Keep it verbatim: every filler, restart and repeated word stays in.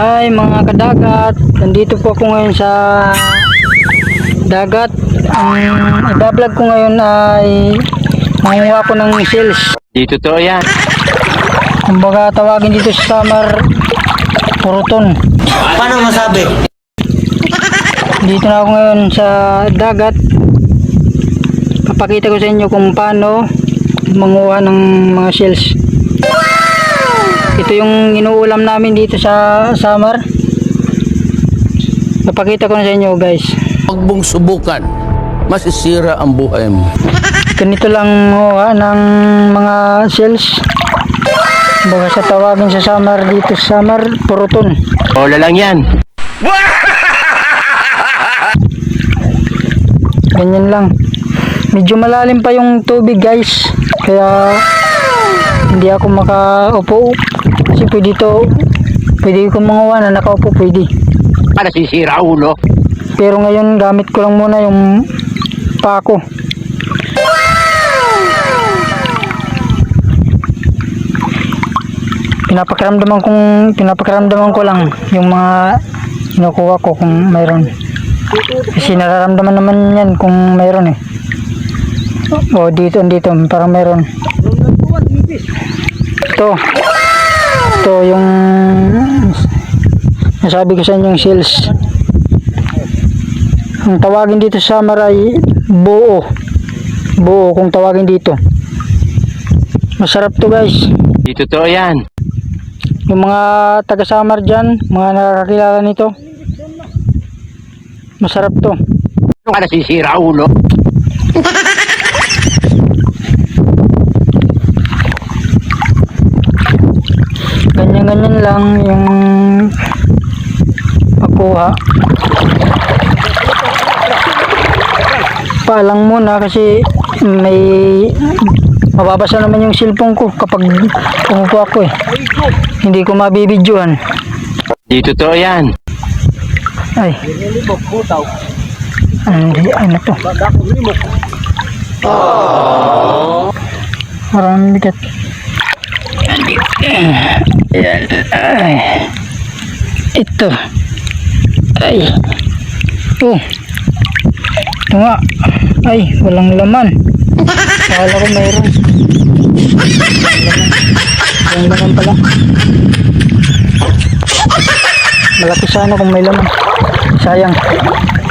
Hi mga kadagat, nandito po ako ngayon sa dagat. Ang i-vlog ko ngayon ay manguha ko ng shells. Dito to yan. Kumbaga tawagin dito sa summer, puruton. Paano masabi? Dito na ako ngayon sa dagat. Papakita ko sa inyo kung paano manguha ng mga shells. Ito yung inuulam namin dito sa summer. Papakita ko na sa inyo guys. Huwag mong subukan, masisira ang buhay mo. Ganito lang manguha ng mga shells. Baga sa tawagin sa summer dito sa summer, puruton. Bola lang yan. Ganyan lang. Medyo malalim pa yung tubig guys. Kaya hindi ako makaupo. Kasi pwede to, pwede ko manguha na nakaupo, pwede. Para sisira ulo. Pero ngayon gamit ko lang muna yung pako. Pinapakiramdaman kong pinapakiramdaman ko lang yung mga kinukuha ko kung mayroon. Kasi nararamdaman naman yan kung mayroon eh. O dito, dito, parang mayroon. Ito. Ito yung nasabi ko sa inyo yung shells. Ang tawagin dito sa summer ay buo. Buo kung tawagin dito. Masarap to guys. Dito to yan. Yung mga taga summer dyan, mga nakakilala nito, masarap to. Para sisira ulo. Ganyan-ganyan lang yung pagkuha. Paalang muna kasi may mababasa naman yung cellphone ko kapag umupo ako eh. Hindi ko mabibidyohan. Dito to yan. Ay. Hindi, ano to? Parang bigat. Ayan. Ay. Ito. Ay. Ito. Ito nga. Ay, walang laman. Akala ko mayroon. Walang laman pala. Malaki sana kung may laman. Sayang.